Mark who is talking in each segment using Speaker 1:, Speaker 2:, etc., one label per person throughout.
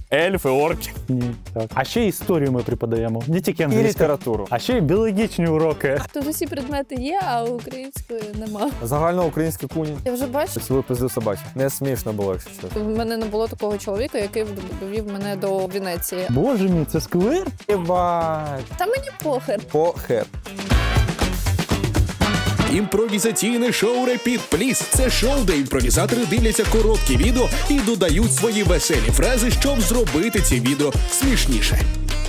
Speaker 1: Ельфи, орки.
Speaker 2: Ні, так. А ще історію ми преподаємо. Не тільки
Speaker 3: І
Speaker 2: англійську.
Speaker 3: літературу.
Speaker 2: А ще й біологічні уроки.
Speaker 4: Тут усі предмети є, а української нема.
Speaker 3: Загальноукраїнські куні.
Speaker 4: Я вже бачу,
Speaker 3: Цілу пизду собачу. Не смішно було, якщо чесно.
Speaker 4: в мене не було такого чоловіка, який довів мене до Венеції.
Speaker 2: Боже мій, це сквер?
Speaker 3: Єбать.
Speaker 4: Та мені похер.
Speaker 3: Похер.
Speaker 5: Імпровізаційне шоу «Репіт Пліс» – це шоу, де імпровізатори дивляться короткі відео і додають свої веселі фрази, щоб зробити ці відео смішніше.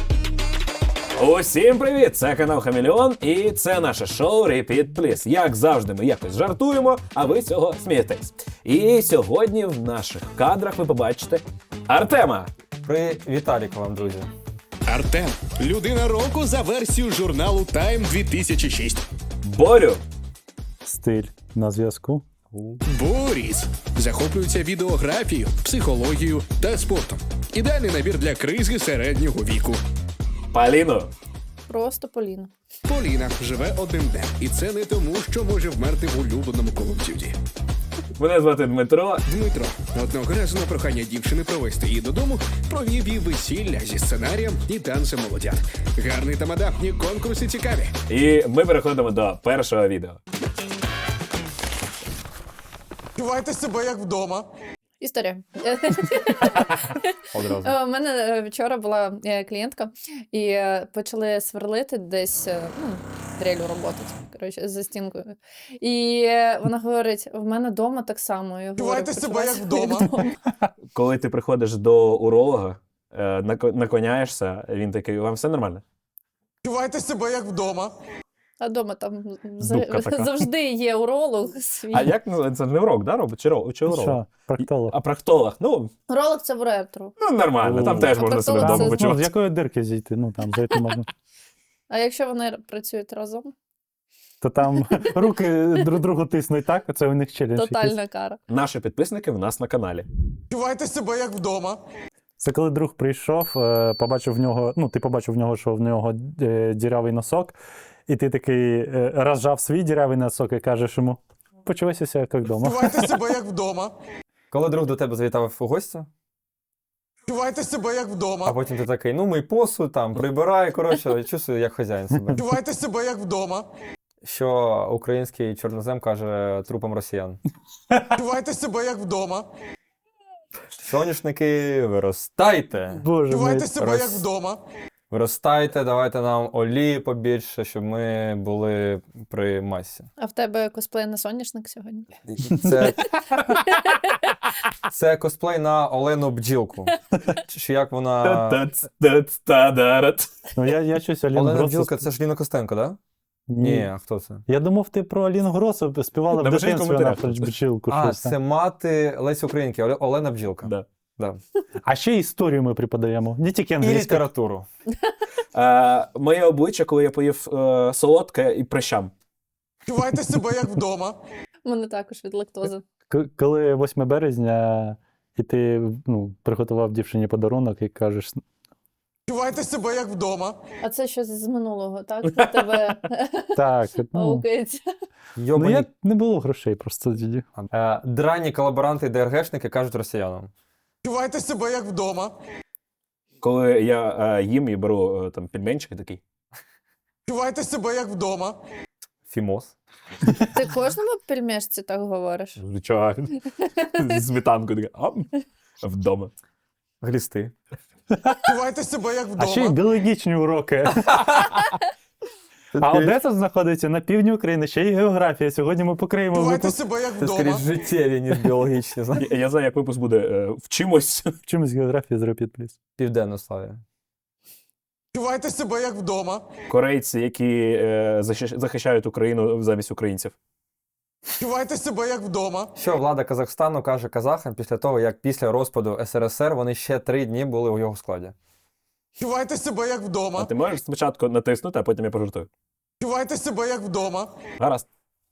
Speaker 1: Усім привіт! Це канал Хамелеон і це наше шоу Repeat Please. Як завжди, ми якось жартуємо, а ви з цього смієтесь. І сьогодні в наших кадрах ви побачите Артема.
Speaker 3: При Віталіка вам, друзі.
Speaker 5: Артем – людина року за версією журналу Time 2006.
Speaker 1: Борю.
Speaker 2: Стиль на зв'язку.
Speaker 5: Боріс захоплюється відеографією, психологією та спортом. Ідеальний набір для кризи середнього віку.
Speaker 1: Поліну.
Speaker 4: Просто Поліна.
Speaker 5: Поліна живе одним днем, і це не тому, що може вмерти в улюбленому Call of Duty.
Speaker 1: Мене звати Дмитро.
Speaker 5: Дмитро одного разу на прохання дівчини провести її додому провів їй весілля зі сценарієм і танцем молодят. Гарний тамада, і конкурси цікаві.
Speaker 1: І ми переходимо до першого відео.
Speaker 6: Відчувайте себе як вдома.
Speaker 4: Історія.
Speaker 3: Одразу.
Speaker 4: У мене вчора була клієнтка, і почали сверлити десь, дрелю роботи, коротше, за стінкою. І вона говорить, в мене вдома так само. Я говорю,
Speaker 6: Відчувайте себе як
Speaker 4: «Почувай себе
Speaker 6: вдома».
Speaker 1: Коли ти приходиш до уролога, наклоняєшся, він такий, вам все нормально?
Speaker 6: Відчувайте себе як вдома.
Speaker 4: А вдома там
Speaker 1: Дубка така.
Speaker 4: завжди є уролог свій.
Speaker 1: А як це не урок, да, робить? Чи уролог?
Speaker 2: Що? Проктолог.
Speaker 1: А проктолог? Ну,
Speaker 4: Уролог – це в ретро.
Speaker 1: нормально, там
Speaker 2: О.
Speaker 1: теж
Speaker 4: А
Speaker 1: можна себе
Speaker 4: проктолог
Speaker 1: вдома
Speaker 4: це-
Speaker 2: Ну, з
Speaker 1: почувати.
Speaker 2: якої дирки зійти? Ну, там, зайти можна.
Speaker 4: А якщо вони працюють разом?
Speaker 2: То там руки друг другу тиснуть, так? Це у них челендж якийсь.
Speaker 4: Тотальна кара.
Speaker 1: Наші підписники в нас на каналі.
Speaker 6: Відчувайте себе як вдома.
Speaker 2: Це коли друг прийшов, побачив в нього, ти побачив в нього, що в нього дірявий носок, і ти такий розжав свій дірявий носок і кажеш йому, почувайся себе як вдома.
Speaker 6: Відчувайте себе як вдома.
Speaker 3: Коли друг до тебе завітав у гості,
Speaker 6: Відчувайте себе як
Speaker 3: а
Speaker 6: вдома.
Speaker 3: потім ти такий, мий посуд, там, прибирай, коротше, чувствую, як хазяїн себе.
Speaker 6: Відчувайте себе як вдома.
Speaker 3: Що український чорнозем каже трупам росіян.
Speaker 6: Відчувайте себе як вдома.
Speaker 3: Соняшники, виростайте.
Speaker 2: Боже мій.
Speaker 6: Відчувайте себе як
Speaker 3: Рос-
Speaker 6: вдома.
Speaker 3: Виростайте, давайте нам олії побільше, щоб ми були при масі.
Speaker 4: А в тебе косплей на соняшник сьогодні?
Speaker 3: Це косплей на Олену Бджілку. Чи як вона...
Speaker 1: Та-та-ц-та-та-да-рат.
Speaker 2: Ну, я щось Аліну
Speaker 3: Олена
Speaker 2: Гросу...
Speaker 3: Бджілка, це ж Ліна Костенко, так? Да? Ні, а хто це?
Speaker 2: Я думав, ти про Аліну Гросу співала в
Speaker 1: Напишіть в
Speaker 2: дитинстві на
Speaker 1: коментарях.
Speaker 2: бджілку.
Speaker 3: А,
Speaker 2: щось там.
Speaker 3: це мати Лесі Українки, Олена Бджілка.
Speaker 1: Да.
Speaker 3: Да.
Speaker 2: А ще історію ми преподаємо. Не тільки
Speaker 3: І
Speaker 2: англійську.
Speaker 3: літературу.
Speaker 1: Моє обличчя, коли я поїв солодке і прищам.
Speaker 6: Відчувайте себе як вдома.
Speaker 4: У мене також від лактози.
Speaker 2: Коли 8 березня, і ти приготував дівчині подарунок і кажеш,
Speaker 6: Відчувайте себе як вдома.
Speaker 4: А це щось з минулого, так? У тебе
Speaker 2: так,
Speaker 4: аукається.
Speaker 3: Йобані
Speaker 2: я не було грошей просто тоді.
Speaker 3: драні колаборанти і ДРГшники кажуть росіянам.
Speaker 6: Відчувайте себе як вдома.
Speaker 1: Коли я їм і беру там пельменчики такий.
Speaker 6: Відчувайте себе як вдома.
Speaker 3: Фімос.
Speaker 4: Ти кожному пельмешці так говориш?
Speaker 1: Звичайно. З сметанкою така. Вдома.
Speaker 3: Глісти.
Speaker 6: Відчувайте себе як
Speaker 2: А ще й
Speaker 6: вдома.
Speaker 2: біологічні уроки. А Одеса знаходиться на півдні України, ще й географія. Сьогодні ми покриємо
Speaker 6: Відчувайте
Speaker 2: випуск.
Speaker 6: себе як
Speaker 3: Це скоріше
Speaker 6: вдома.
Speaker 3: життєві, ніж біологічні. знаєш.
Speaker 1: Я знаю, як випуск буде. Вчимось.
Speaker 2: Чимось географія з Repeat Please.
Speaker 3: Південно-Славія.
Speaker 6: Відчувайте себе як вдома.
Speaker 1: Корейці, які захищають Україну замість українців.
Speaker 6: Відчувайте себе як вдома.
Speaker 3: Що влада Казахстану каже казахам після того, як після розпаду СРСР вони ще 3 дні були у його складі?
Speaker 6: Відчувайте себе як
Speaker 1: А
Speaker 6: вдома.
Speaker 1: ти можеш спочатку натиснути, а потім я пожартую.
Speaker 6: Відчувайте себе як вдома.
Speaker 1: Гаразд.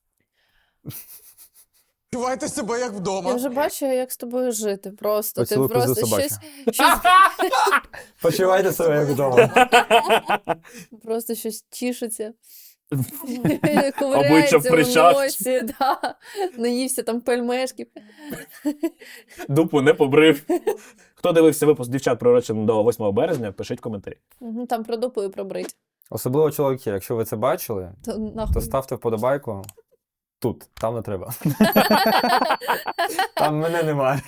Speaker 6: Відчувайте себе як
Speaker 4: Я
Speaker 6: вдома.
Speaker 4: вже бачу, як з тобою жити. Просто ти
Speaker 3: Поцілуй пизду
Speaker 4: просто
Speaker 3: собачу.
Speaker 4: щось
Speaker 3: Почувайте себе як вдома.
Speaker 4: просто щось тішиться.
Speaker 1: Обличчя в
Speaker 4: Ковиряється в
Speaker 1: прищах.
Speaker 4: носі, наївся там пельмешків.
Speaker 1: Дупу не побрив. Хто дивився випуск дівчат пророчений до 8 березня, пишіть коментарі.
Speaker 4: Там про дупу і про брить.
Speaker 3: Особливо чоловіки, якщо ви це бачили,
Speaker 4: То нахуй.
Speaker 3: то ставте вподобайку. Тут, там не треба. Там мене немає.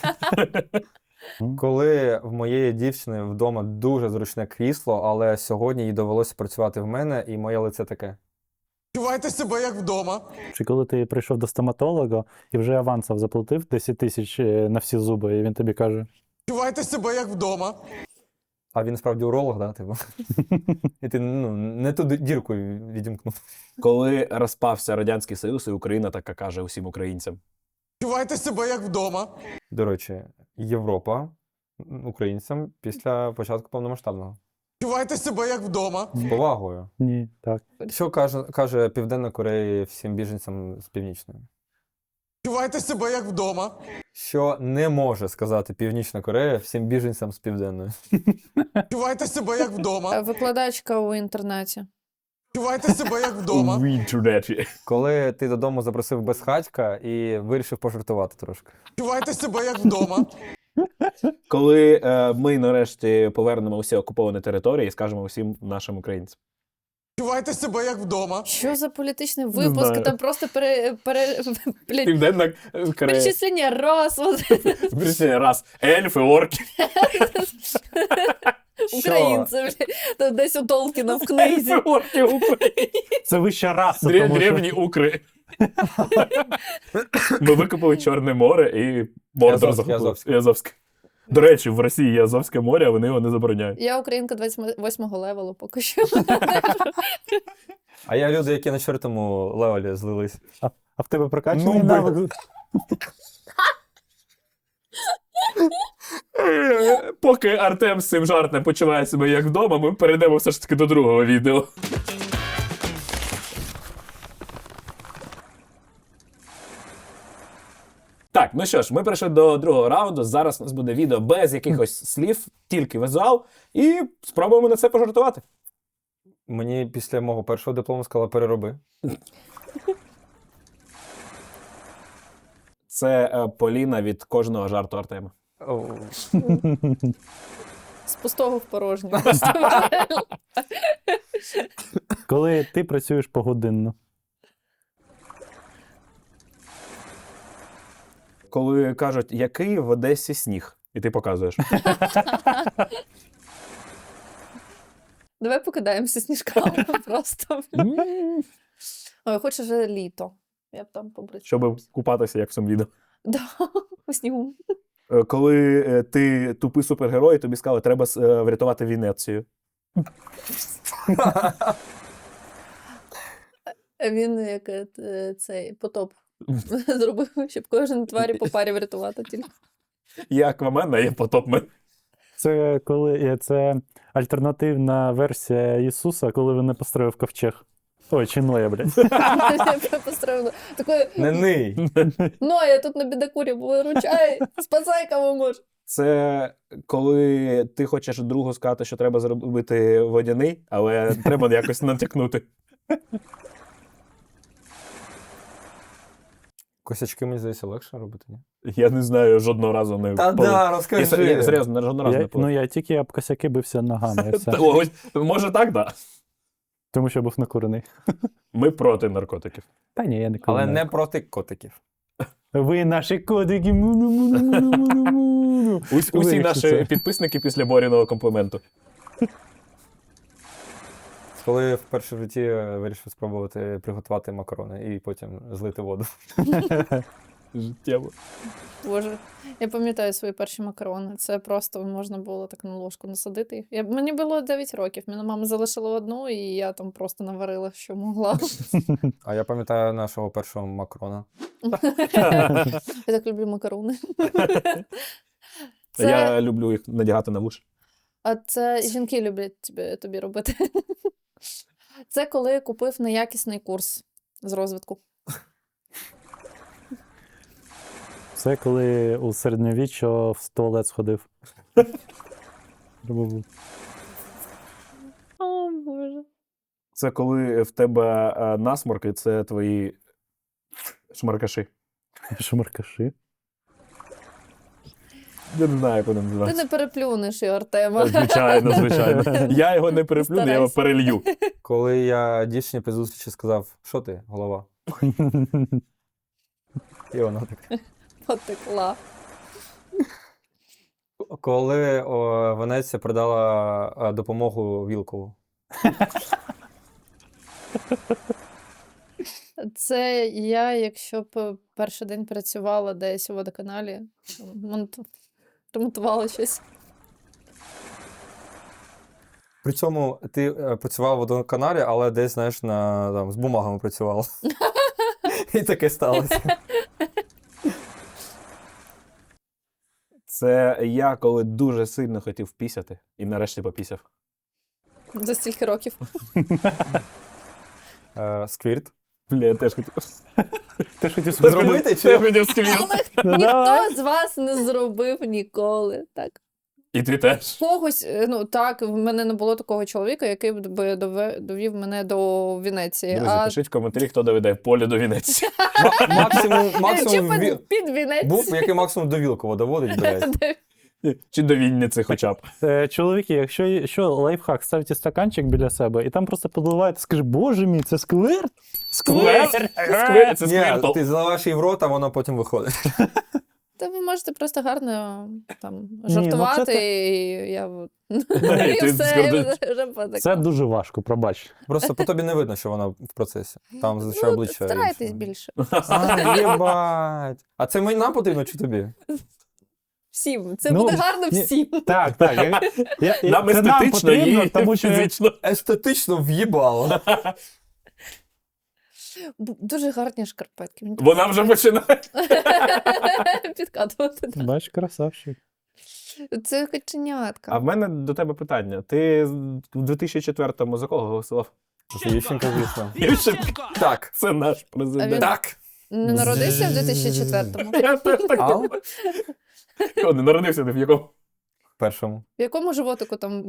Speaker 3: Коли в моєї дівчини вдома дуже зручне крісло, але сьогодні їй довелося працювати в мене, і моє лице таке.
Speaker 6: Відчувайте себе як вдома.
Speaker 2: Чи коли ти прийшов до стоматолога і вже авансом заплатив 10 тисяч на всі зуби, і він тобі каже:
Speaker 6: Відчувайте себе як вдома.
Speaker 3: А він справді уролог, да? Типу? І ти не ту дірку відімкнув.
Speaker 1: Коли розпався Радянський Союз, і Україна така каже усім українцям.
Speaker 6: Відчувайте себе як вдома.
Speaker 3: До речі, Європа українцям після початку повномасштабного.
Speaker 6: Відчувайте себе як вдома.
Speaker 3: З повагою.
Speaker 2: ні, так.
Speaker 3: Що каже Південна Корея всім біженцям з Північної?
Speaker 6: Відчувайте себе як вдома.
Speaker 3: Що не може сказати Північна Корея всім біженцям з Південної?
Speaker 6: Відчувайте себе як вдома.
Speaker 4: Викладачка у інтернеті.
Speaker 6: Відчувайте себе як вдома.
Speaker 1: В інтернеті.
Speaker 3: Коли ти додому запросив безхатька і вирішив пожартувати трошки.
Speaker 6: Відчувайте себе як вдома.
Speaker 1: Коли ми нарешті повернемо усі окуповані території і скажемо усім нашим українцям.
Speaker 6: Відчувайте себе як вдома.
Speaker 4: Що за політичний
Speaker 1: Не
Speaker 4: випуск?
Speaker 1: знаю.
Speaker 4: Там просто блядь,
Speaker 1: Південна Корея.
Speaker 4: перечислення раз.
Speaker 1: Причина раз. Ельфи, орки.
Speaker 4: Українці, блядь. Там десь у Толкіна в книзі.
Speaker 1: Ельфи, орки, Україні.
Speaker 2: Це вища раса, тому що...
Speaker 1: Древні укри. Ми викопали Чорне море і Мордор захопили.
Speaker 3: Азовське.
Speaker 1: Азовське. До речі, в Росії є Азовське море, а вони його не забороняють.
Speaker 4: Я українка 28-го левелу поки що.
Speaker 3: А я люди, які на 4-му левелі злились.
Speaker 2: А в тебе прокачаний
Speaker 3: Ну,
Speaker 2: навик?
Speaker 1: Поки Артем з цим жартом почуває себе як вдома, ми перейдемо все ж таки до другого відео. Так, ну що ж, ми перейшли до другого раунду. Зараз у нас буде відео без якихось слів, тільки візуал, і спробуємо на це пожартувати.
Speaker 3: Мені після мого першого диплому сказали перероби.
Speaker 1: Це Поліна від кожного жарту Артема.
Speaker 4: З пустого в порожнє.
Speaker 2: Коли ти працюєш погодинно.
Speaker 1: Коли кажуть, який в Одесі сніг, і ти показуєш.
Speaker 4: Давай покидаємося сніжками просто. Ой, хочу вже літо. Я б там побрить.
Speaker 1: Щоб купатися, як в цьому відео.
Speaker 4: Да, у снігу.
Speaker 1: Коли ти тупий супергерой, і тобі сказали, треба врятувати Венецію.
Speaker 4: Він як цей потоп зробив, щоб кожен тварі по парі врятувати тільки.
Speaker 1: Є Аквамен, а є Потопмен.
Speaker 2: Це коли це альтернативна версія Ісуса, коли він не построїв ковчег. Ой, чи Ноя, блядь.
Speaker 4: Я построїла. Такої,
Speaker 3: Не ний.
Speaker 4: я тут на бідокурі, виручай, спасай кого можеш.
Speaker 1: Це коли ти хочеш другу сказати, що треба зробити водяний, але треба якось натякнути.
Speaker 3: Косячки, мені здається, легше робити, ні?
Speaker 1: Я не знаю, жодного разу не
Speaker 3: Та
Speaker 1: полив.
Speaker 3: да,
Speaker 1: Я
Speaker 3: розкажи.
Speaker 1: серйозно, жодного разу не
Speaker 2: Я,
Speaker 1: полив.
Speaker 2: я тільки об косяки бився ногами, і все.
Speaker 1: Ось, може так, да.
Speaker 2: Тому що був накурений.
Speaker 1: Ми проти наркотиків.
Speaker 2: Та ні, я не
Speaker 3: Але
Speaker 2: курю.
Speaker 3: не проти котиків.
Speaker 2: Ви наші кодики. Му-ну-му-ну-му-ну-му-ну.
Speaker 1: Усі
Speaker 2: Вирішив
Speaker 1: наші
Speaker 2: це.
Speaker 1: підписники після Боріного компліменту.
Speaker 3: Коли вперше в житті вирішив спробувати приготувати макарони і потім злити воду.
Speaker 1: Життєво.
Speaker 4: Боже, я пам'ятаю свої перші макарони. Це просто можна було так на ложку насадити їх. Мені було 9 років. Мене мама залишила одну, і я там просто наварила, що могла.
Speaker 3: А я пам'ятаю нашого першого макарона.
Speaker 4: Я так люблю макарони.
Speaker 1: Я люблю їх надягати на вуші.
Speaker 4: А це жінки люблять тобі робити. Це коли купив неякісний курс з розвитку.
Speaker 2: Це коли у середньовіччя в туалет сходив.
Speaker 4: О, Боже.
Speaker 1: Це коли в тебе насморк, і це твої шмаркаші.
Speaker 2: Шмаркаши.
Speaker 1: Я не знаю, як воно
Speaker 4: Ти
Speaker 1: називається.
Speaker 4: не переплюнеш його, Артема.
Speaker 1: Звичайно, звичайно. Я його не переплюну, я його
Speaker 4: Старайся.
Speaker 1: перелью.
Speaker 3: Коли я дівчині при зустрічі сказав, що ти, голова? І вона так.
Speaker 4: Потекла.
Speaker 3: Коли Венеція продала допомогу Вілкову.
Speaker 4: Це я, якщо б перший день працювала десь у водоканалі, ремонтувала щось.
Speaker 3: При цьому ти працював в водоканалі, але десь, знаєш, з бумагами працювала. І таке сталося.
Speaker 1: Це я, коли дуже сильно хотів пісяти, і нарешті попісяв.
Speaker 4: За стільки років.
Speaker 3: Сквірт.
Speaker 1: Бля, я теж хотів.
Speaker 2: Ти ж хотів
Speaker 3: Зробити чи?
Speaker 1: Я хотів сквірт.
Speaker 2: Ну, давай.
Speaker 4: Ніхто з вас не зробив ніколи. Так.
Speaker 1: І ти теж.
Speaker 4: Когось, ну так, в мене не було такого чоловіка, який би довів мене до Венеції.
Speaker 1: Друзі, пишіть в коментарі, хто доведе Полю до Венеції.
Speaker 3: Максимум
Speaker 4: Чи
Speaker 3: Ві-
Speaker 4: під Венецію.
Speaker 3: був, який максимум до Вілкова доводить, блядь.
Speaker 1: Чи до Вінниці хоча б.
Speaker 2: Чоловіки, якщо лайфхак, ставте стаканчик біля себе і там просто подливаєте, скажи, боже мій, це сквирт?
Speaker 1: Сквер? Сквер? Це
Speaker 3: Ні,
Speaker 1: сквертл.
Speaker 3: ти заливаєш її в рот, а воно потім виходить.
Speaker 4: Та ви можете просто гарно там
Speaker 2: ну,
Speaker 4: жартувати,
Speaker 2: це
Speaker 4: і я
Speaker 1: ти
Speaker 4: і все,
Speaker 1: скажеш.
Speaker 4: і вже потекла.
Speaker 2: Це дуже важко, пробач.
Speaker 3: Просто по тобі не видно, що вона в процесі. Там зазвичай обличчя.
Speaker 4: Старайтесь
Speaker 3: інше.
Speaker 4: більше.
Speaker 3: А, єбать. А це нам потрібно чи тобі?
Speaker 4: Всім. Це
Speaker 2: Ну,
Speaker 4: буде гарно
Speaker 2: ні.
Speaker 4: всім.
Speaker 2: Так.
Speaker 1: Нам
Speaker 2: це
Speaker 1: естетично
Speaker 2: потрібно,
Speaker 1: і
Speaker 2: тому що
Speaker 1: фізично.
Speaker 3: Естетично в'їбало.
Speaker 4: Дуже гарні шкарпетки. Мені
Speaker 1: Вона вже починає.
Speaker 4: підкатувати.
Speaker 2: бач, красавчик.
Speaker 4: Це каченятка.
Speaker 1: А в мене до тебе питання. Ти в 2004-му за кого голосував?
Speaker 3: Це Ющенко, звісно.
Speaker 1: Ющенко.
Speaker 3: Так.
Speaker 1: Це наш президент.
Speaker 4: А він-
Speaker 3: Так.
Speaker 4: Не народився в 2004-му?
Speaker 1: Я теж так
Speaker 3: А?
Speaker 1: думав. О, не народився ти в якому?
Speaker 3: Першому.
Speaker 4: В якому животику там?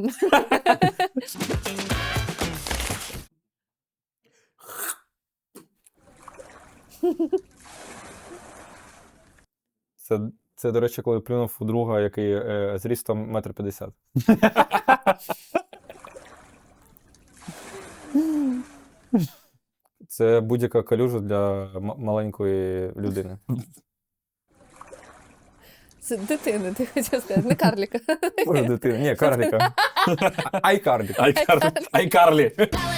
Speaker 3: Це, до речі, коли плюнув у друга, який зрістом 1,50 м. Це будь-яка калюжа для маленької людини.
Speaker 4: Це дитини, ти хотів сказати, не карліка.
Speaker 3: Боже, дитина. Ні, карліка. Айкарлік.
Speaker 1: Айкарлі.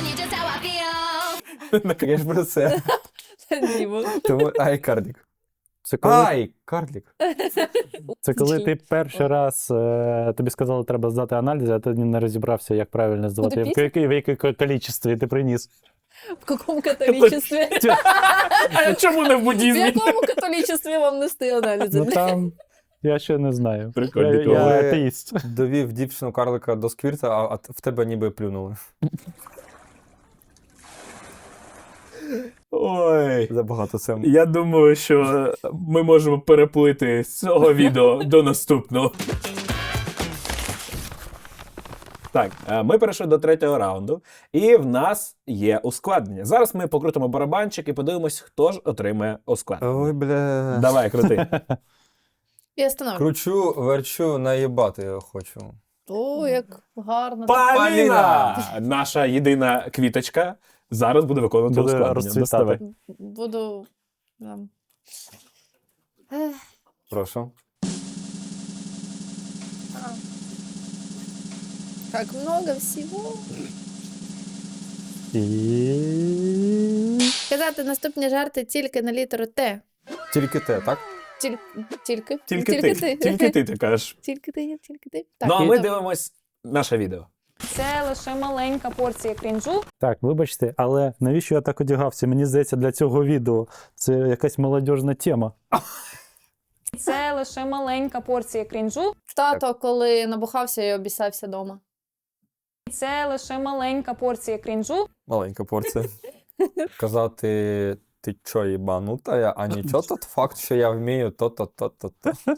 Speaker 3: Я ж про це.
Speaker 4: Дімо.
Speaker 3: Тому айкарлік.
Speaker 2: Це коли,
Speaker 3: Айкарлік.
Speaker 2: це коли ти перший раз тобі сказали, треба здати аналізи, а ти не розібрався, як правильно здавати.
Speaker 4: Куди
Speaker 2: В якій кількості ти приніс.
Speaker 4: В якому католічестві?
Speaker 1: А чому не в
Speaker 4: В
Speaker 1: буддізмі?
Speaker 4: якому католічестві вам нести аналізи?
Speaker 2: Ну там, я ще не знаю.
Speaker 1: Прикольно,
Speaker 2: Я
Speaker 1: коли-
Speaker 2: атеїст.
Speaker 3: Довів дівчину карлика до сквірта, а в тебе ніби плюнули.
Speaker 1: Ой.
Speaker 3: Забагато це.
Speaker 1: Я думаю, що ми можемо переплити з цього відео до наступного. Так, ми перейшли до третього раунду, і в нас є ускладнення. Зараз ми покрутимо барабанчик і подивимось, хто ж отримає ускладнення.
Speaker 3: Ой, бля.
Speaker 1: Давай, крути.
Speaker 4: Я становлю.
Speaker 3: Кручу, верчу, наїбати хочу.
Speaker 4: О, як гарно.
Speaker 1: Паліна! Наша єдина квіточка зараз буде виконувати
Speaker 2: Буде
Speaker 1: ускладнення.
Speaker 2: розцвітати.
Speaker 1: Доставай.
Speaker 4: Буду...
Speaker 3: Прошу.
Speaker 4: Так много всього.
Speaker 2: І...
Speaker 4: Казати наступні жарти тільки на літеру Т.
Speaker 3: Тільки те, так?
Speaker 4: Тільки.
Speaker 1: Тільки ти кажеш.
Speaker 4: Тільки ти. Так,
Speaker 1: Ну, а ми
Speaker 4: добре.
Speaker 1: дивимось наше відео.
Speaker 7: Це лише маленька порція крінжу.
Speaker 2: Так, вибачте, але навіщо я так одягався? Мені здається, для цього відео це якась молодіжна тема.
Speaker 7: Це лише маленька порція крінжу.
Speaker 4: Тато, коли набухався і обісався вдома.
Speaker 7: Це лише маленька порція крінжу.
Speaker 3: Маленька порція. Казати, ти чо їбанута, а нічого тот факт, що я вмію то-то-то-то.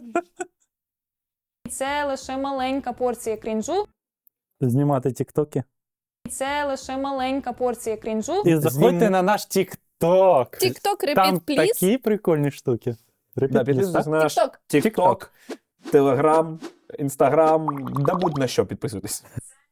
Speaker 7: Це лише маленька порція крінжу.
Speaker 2: Знімати тіктоки.
Speaker 7: Це лише маленька порція крінжу.
Speaker 2: І заходьте на наш тікток.
Speaker 4: Тік-ток,
Speaker 2: Там
Speaker 4: repeat, please.
Speaker 2: такі прикольні штуки.
Speaker 1: Да,
Speaker 2: Repeat, please,
Speaker 1: підписуйтесь
Speaker 2: так?
Speaker 1: на наш
Speaker 4: Тік-ток.
Speaker 1: TikTok. Телеграм, Інстаграм, да будь на що підписуйтесь.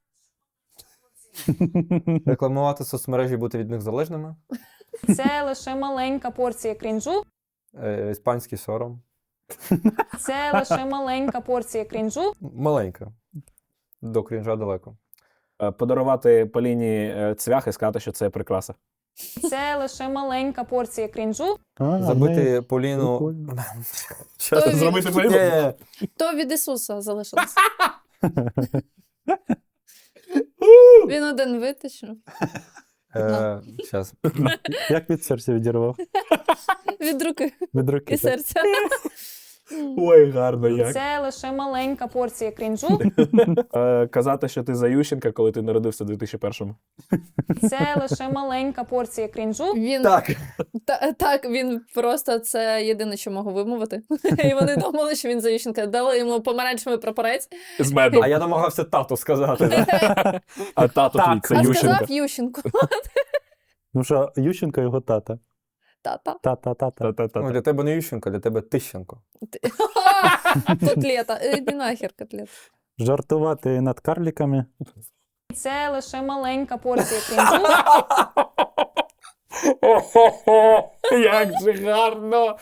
Speaker 3: Рекламувати соцмережі, бути від них залежними.
Speaker 7: Це лише маленька порція крінжу.
Speaker 3: Іспанський сором.
Speaker 7: Це лише маленька порція крінжу.
Speaker 3: Маленька. До крінжа далеко.
Speaker 1: Подарувати Поліні цвях і сказати, що це прикраса.
Speaker 7: Це лише маленька порція крінжу.
Speaker 3: Забити Поліну.
Speaker 2: прикольно.
Speaker 3: Щас
Speaker 4: Той
Speaker 3: зробити
Speaker 4: від-
Speaker 3: Поліну? Ні-ні-ні.
Speaker 4: То від Ісуса залишилось. Він один витащив.
Speaker 3: Щас.
Speaker 2: Як від серця відірвав?
Speaker 4: Від руки
Speaker 2: Від руки.
Speaker 4: і
Speaker 2: так.
Speaker 4: серця.
Speaker 1: Ой, гарно як.
Speaker 7: Це лише маленька порція крінжу.
Speaker 1: Казати, що ти за Ющенка, коли ти народився в 2001-му.
Speaker 7: Це лише маленька порція крінжу.
Speaker 4: Він
Speaker 3: Так.
Speaker 4: так, він просто це єдине, що мог вимовити. І вони думали, що він за Ющенка. Дали йому помаранчевий прапорець.
Speaker 1: З медом.
Speaker 3: А я намагався тату сказати. да.
Speaker 1: А тато твій це
Speaker 4: А
Speaker 1: Ющенка.
Speaker 4: сказав Ющенку.
Speaker 2: Ну що, Ющенко його тата.
Speaker 4: Тата.
Speaker 2: Та-та-та-та.
Speaker 3: Ну,
Speaker 1: Та-та-та.
Speaker 3: для тебе не Ющенко, для тебе Тищенко.
Speaker 4: Котлета. Іди нахер, котлет.
Speaker 2: Жартувати над карліками.
Speaker 7: Це лише маленька порція крінжу.
Speaker 1: Як же гарно!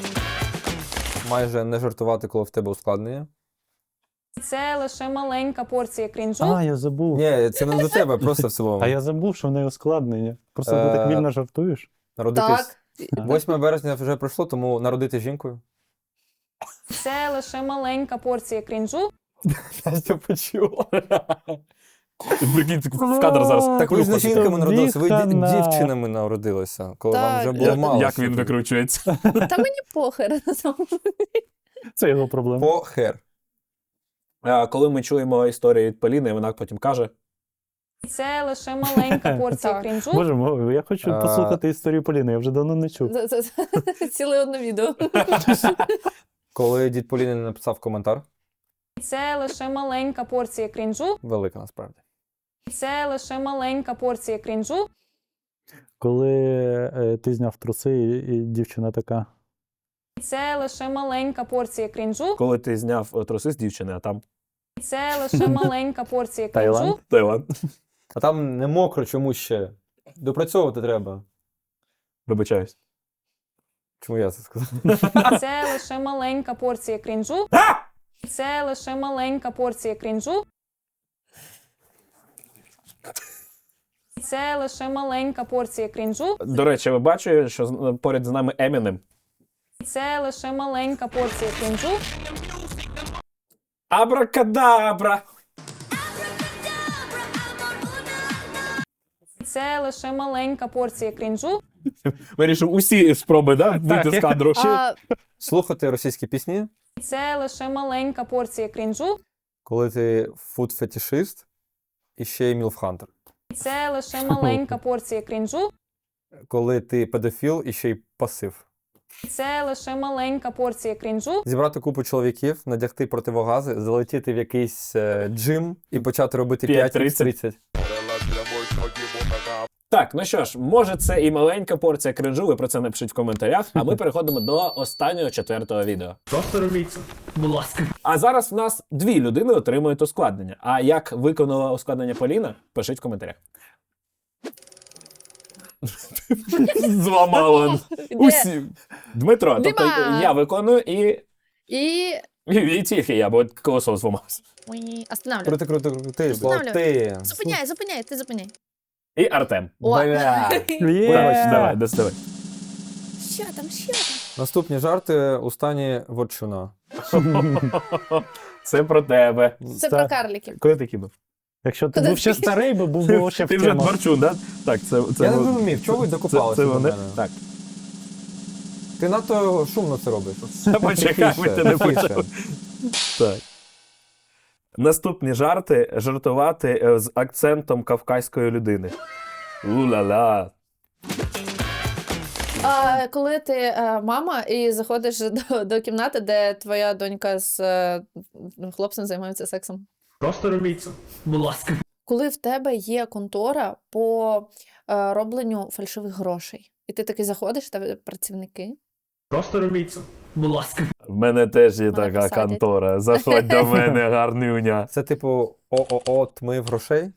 Speaker 3: Майже не жартувати, коли в тебе ускладнення.
Speaker 7: Це лише маленька порція крінжу.
Speaker 2: А, я забув.
Speaker 3: Ні, це не до тебе, просто в цілому.
Speaker 2: А я забув, що в неї ускладнення. Просто ти так вільно жартуєш.
Speaker 3: Народитись.
Speaker 4: Так.
Speaker 3: 8 березня вже пройшло, тому народити жінкою.
Speaker 7: Це лише маленька порція крінжу.
Speaker 3: Настя почула.
Speaker 1: Прикинь, в кадр зараз.
Speaker 3: Так ви ж не
Speaker 1: виходить.
Speaker 3: жінками народилися, ви
Speaker 2: Віхана.
Speaker 3: дівчинами народилися, коли вам
Speaker 4: Так.
Speaker 3: вже було мало.
Speaker 1: Як він
Speaker 3: що
Speaker 1: викручується?
Speaker 4: Та мені похер.
Speaker 2: Це його проблема.
Speaker 3: По хер.
Speaker 1: Коли ми чуємо історію від Поліни, вона потім каже:
Speaker 7: Це лише маленька порція
Speaker 4: Так.
Speaker 7: крінжу.
Speaker 2: Боже мой, я хочу
Speaker 3: А.
Speaker 2: послухати історію Поліни, я вже давно не чув.
Speaker 4: Ціле одне відео.
Speaker 3: Коли дід Поліни написав коментар,
Speaker 7: Це лише маленька порція крінжу.
Speaker 3: велика насправді.
Speaker 7: Це лише маленька порція крінжу.
Speaker 2: Коли ти зняв труси, і дівчина така.
Speaker 7: Це лише маленька порція крінжу.
Speaker 1: коли ти зняв труси з дівчини, а там
Speaker 7: Це лише маленька порція
Speaker 2: Таїланд?
Speaker 7: крінжу.
Speaker 1: Таїланд.
Speaker 3: А там не мокро чому ще. Допрацьовувати треба.
Speaker 1: Вибачаюсь.
Speaker 3: Чому я це сказав?
Speaker 7: Це лише маленька порція крінжу. Це лише маленька порція крінжу. Це лише маленька порція крінжу.
Speaker 1: До речі, ви бачите, що поряд з нами Емінем.
Speaker 7: Це лише маленька порція крінжу.
Speaker 1: Абракадабра!
Speaker 7: Це лише маленька порція крінжу.
Speaker 1: Вирішив усі спроби, да? Вийти з кадру.
Speaker 4: А
Speaker 3: Слухати російські пісні,
Speaker 7: Це лише маленька порція крінжу.
Speaker 3: коли ти фуд-фетішист і ще й мілфхантер.
Speaker 7: Це лише маленька порція крінжу.
Speaker 3: Коли ти педофіл і ще й пасив.
Speaker 7: Це лише маленька порція крінжу.
Speaker 3: Зібрати купу чоловіків, надягти противогази, залетіти в якийсь джим і почати робити
Speaker 1: 5:30.
Speaker 3: 5-30.
Speaker 1: Так, ну що ж, може це і маленька порція кринжу, ви про це напишіть в коментарях, а ми переходимо до останнього 4-го відео.
Speaker 8: Просто робіть це, будь ласка.
Speaker 1: А зараз в нас 2 людини отримують ускладнення. А як виконала ускладнення Поліна, пишіть в коментарях. Зламала усі. Дмитро, тобто
Speaker 4: Дима!
Speaker 1: я виконую і
Speaker 4: і...
Speaker 1: тільки я, бо колесо зламалося.
Speaker 4: Ой, останавливай.
Speaker 3: Крути, бо
Speaker 4: Встановлюй.
Speaker 3: ти...
Speaker 4: Зупиняй, ти зупиняй.
Speaker 1: І Артем.
Speaker 4: О.
Speaker 3: Бля.
Speaker 1: Давай, доставай.
Speaker 4: Що там?
Speaker 3: Наступні жарти у стані ворчуна.
Speaker 1: Це про тебе.
Speaker 4: Це про карліків.
Speaker 1: Коли ти кинув?
Speaker 2: Якщо ти
Speaker 4: Куди
Speaker 2: був ще
Speaker 4: ти?
Speaker 2: старий, би був ще в
Speaker 1: Ти вже
Speaker 2: темах.
Speaker 1: Дворчун, так? Так, це
Speaker 3: Я не зрозумів, чого ви докопалися
Speaker 1: це
Speaker 3: до
Speaker 1: вони.
Speaker 3: мене?
Speaker 1: Так.
Speaker 3: Ти надто шумно це робиш.
Speaker 1: Почекай, ми ти не
Speaker 3: Тихіше.
Speaker 1: почали. Так. Наступні жарти жартувати з акцентом кавказької людини. У-ла-ла.
Speaker 4: А коли ти мама і заходиш до кімнати, де твоя донька з хлопцем займаються сексом.
Speaker 8: Просто робіть це, будь ласка.
Speaker 4: Коли в тебе є контора по робленню фальшивих грошей, і ти таки заходиш, в тебе працівники.
Speaker 8: Просто робіть це, будь ласка.
Speaker 1: В мене теж є
Speaker 4: Мене
Speaker 1: така
Speaker 4: посадять.
Speaker 1: контора. Заходь до мене, гарнюня.
Speaker 3: Це типу ООО «Тмив грошей».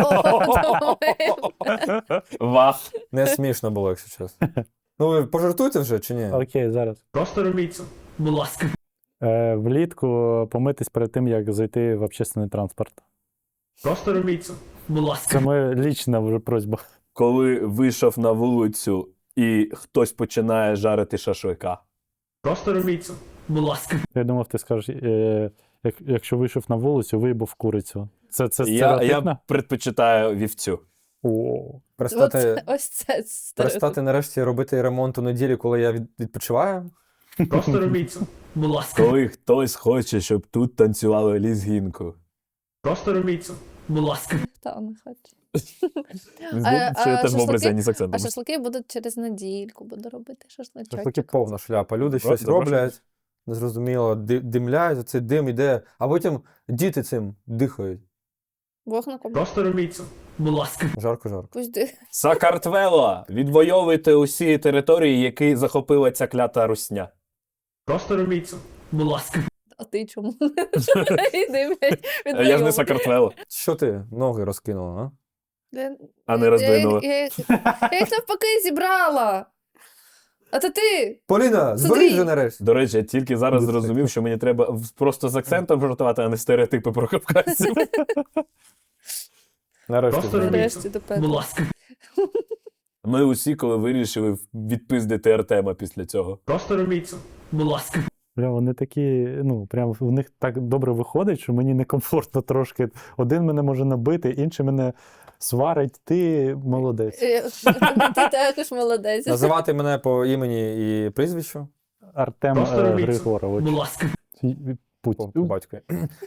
Speaker 1: Вах.
Speaker 3: Не смішно було, якщо чесно. Ну ви пожартуйте вже чи ні?
Speaker 2: Окей, зараз.
Speaker 8: Просто робіть це. Будь ласка.
Speaker 2: Влітку помитись перед тим, як зайти в общественний транспорт.
Speaker 8: Просто робіть це. Будь
Speaker 2: Це
Speaker 8: ласка.
Speaker 2: моя лічна вже просьба.
Speaker 1: Коли вийшов на вулицю і хтось починає жарити шашлика.
Speaker 8: Просто робіть це. Будь ласка.
Speaker 2: Я думав, ти скажеш, якщо вийшов на вулицю, виїбав курицю. Це
Speaker 1: Я
Speaker 2: стереотипно?
Speaker 1: предпочитаю вівцю.
Speaker 2: О,
Speaker 4: Ось це стереотип.
Speaker 3: Перестати нарешті робити ремонт у неділі, коли я відпочиваю.
Speaker 8: Просто робіть це. Будь ласка.
Speaker 1: Коли хтось хоче, щоб тут танцювали лізгінку.
Speaker 8: Просто робіть це. Будь ласка.
Speaker 4: Та не хочу.
Speaker 1: Здається, що я теж в образі
Speaker 4: шашлики?
Speaker 1: ані з
Speaker 4: А
Speaker 1: акцентом.
Speaker 4: шашлики будуть через недільку, буду робити шашличок.
Speaker 3: Шашлики повна шляпа. Люди щось
Speaker 1: запрошую.
Speaker 3: роблять, незрозуміло, димляють, цей дим іде, а потім діти цим дихають.
Speaker 4: Вогником.
Speaker 8: Просто робіть це. Будь ласка.
Speaker 3: Жарко-жарко.
Speaker 4: Пусть ди-
Speaker 1: Сакартвело! Відвоюйте усі території, які захопила ця клята русня.
Speaker 8: Просто робіть це. Будь ласка.
Speaker 4: А ти чому? Іди, блядь,
Speaker 1: Я ж не
Speaker 4: відвоювай.
Speaker 1: Сакартвело,
Speaker 3: Що ти ноги розкинула, а?
Speaker 1: а не роздвинула.
Speaker 4: Я їх навпаки зібрала. А то ти.
Speaker 3: Поліна,
Speaker 4: Смотри.
Speaker 3: зберись же нарешті.
Speaker 1: До речі, я тільки зараз зрозумів, що мені треба просто з акцентом жартувати, а не стереотипи про кавказців.
Speaker 3: Нарешті.
Speaker 8: Просто
Speaker 3: зберись.
Speaker 8: робіть
Speaker 4: Нарешті
Speaker 8: це.
Speaker 4: тепер.
Speaker 8: Будь ласка.
Speaker 1: Ми усі, коли вирішили відпиздити Артема після цього.
Speaker 8: Просто робіть це. Будь ласка.
Speaker 2: бля, вони такі, ну, прям в них так добре виходить, що мені некомфортно трошки. Один мене може набити, інший мене сварить. Ти молодець.
Speaker 4: Ти також молодець.
Speaker 3: Називати мене по імені і прізвищу
Speaker 2: Артем
Speaker 8: Просто робіть це.
Speaker 2: Григорович.
Speaker 8: Будь ласка.
Speaker 3: по батькові.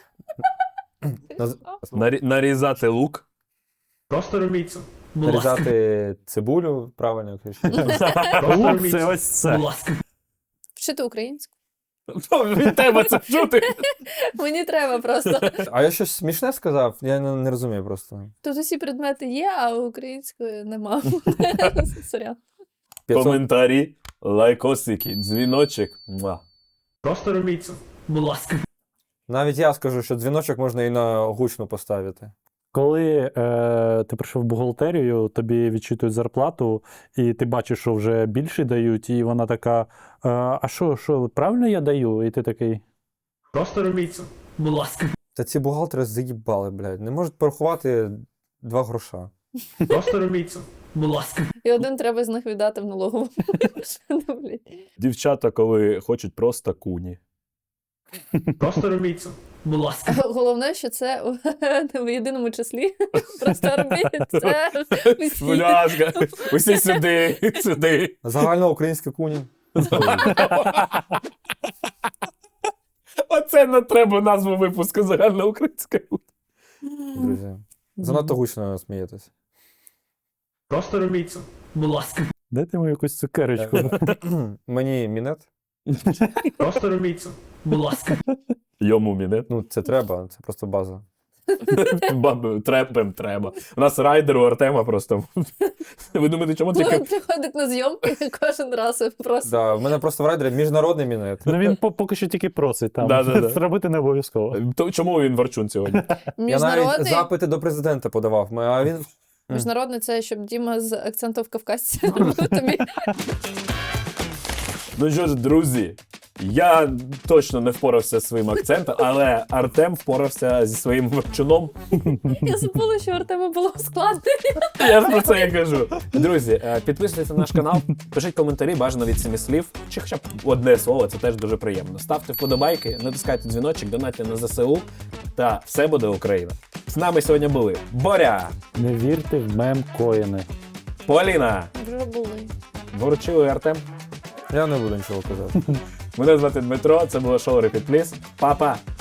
Speaker 1: Нарізати лук.
Speaker 8: Просто робіть це. Будь ласка.
Speaker 3: Нарізати цибулю, правильно кажеш.
Speaker 8: Просто
Speaker 2: Лук
Speaker 8: робіть
Speaker 2: це
Speaker 8: це.
Speaker 2: ось це.
Speaker 8: Будь ласка.
Speaker 4: Вчити українську.
Speaker 1: Від тебе це чути.
Speaker 4: Мені треба просто.
Speaker 3: А я щось смішне сказав? Я не розумію просто.
Speaker 4: Тут усі предмети є, а української нема. Сорян.
Speaker 3: 500.
Speaker 1: Коментарі, лайкосики, дзвіночок. Муа.
Speaker 8: Просто робіть це. Будь ласка.
Speaker 3: Навіть я скажу, що дзвіночок можна і на гучну поставити.
Speaker 2: Коли ти прийшов в бухгалтерію, тобі відчитують зарплату, і ти бачиш, що вже більше дають, і вона така: а що, правильно я даю? І ти такий.
Speaker 8: Просто робіть це. Будь ласка.
Speaker 3: Та ці бухгалтери заїбали, блядь. Не можуть порахувати 2 гроша.
Speaker 8: Просто робіть це. Будь ласка.
Speaker 4: І один треба з них віддати в налогову. Ну, блядь.
Speaker 1: Дівчата, коли хочуть просто куні.
Speaker 8: Просто робіть це. Будь ласка.
Speaker 4: Головне, що це в єдиному числі. Просто робіть це всі.
Speaker 1: Будь ласка, усі сюди, сюди.
Speaker 3: Загальноукраїнські куні.
Speaker 1: Оце не треба назву випуску загальноукраїнської.
Speaker 3: Друзі. Занадто гучно смієтесь.
Speaker 8: Просто робіть це. Будь ласка.
Speaker 2: Дайте мені якусь цукерочку.
Speaker 3: Мені мінет.
Speaker 8: Просто робіть це. Будь ласка.
Speaker 1: Йому мінет.
Speaker 3: Ну, це треба, це просто база.
Speaker 1: Треба. У нас райдер у Артема просто. Ви думаєте, чому тільки...
Speaker 4: Приходить на зйомки кожен раз і просто.
Speaker 3: Да, в мене просто в райдері міжнародний мінет.
Speaker 2: Ну він поки що тільки просить там.
Speaker 1: Да.
Speaker 2: Зробити не обов'язково.
Speaker 1: Чому він Варчун сьогодні?
Speaker 3: Я навіть
Speaker 4: Міжнародний,
Speaker 3: запити до президента подавав, а він.
Speaker 4: міжнародний це щоб Діма з акцентом в кавказці робив тобі.
Speaker 1: Ну що ж, друзі, я точно не впорався зі своїм акцентом, але Артем впорався зі своїм Варчуном.
Speaker 4: Я забула, що у Артема було складно.
Speaker 1: Я ж про це і кажу. Друзі, підписуйтесь на наш канал, пишіть коментарі, бажано від 7 слів, чи хоча б одне слово, це теж дуже приємно. Ставте вподобайки, натискайте дзвіночок, донатьте на ЗСУ, та все буде Україна. З нами сьогодні були Боря,
Speaker 2: Не вірте в мем-коїни.
Speaker 1: Поліна,
Speaker 4: Вже були.
Speaker 1: Ворчило і Артем.
Speaker 3: Я не буду нічого казати.
Speaker 1: Мене звати Дмитро, це було шоу Repeat Please. Па-па!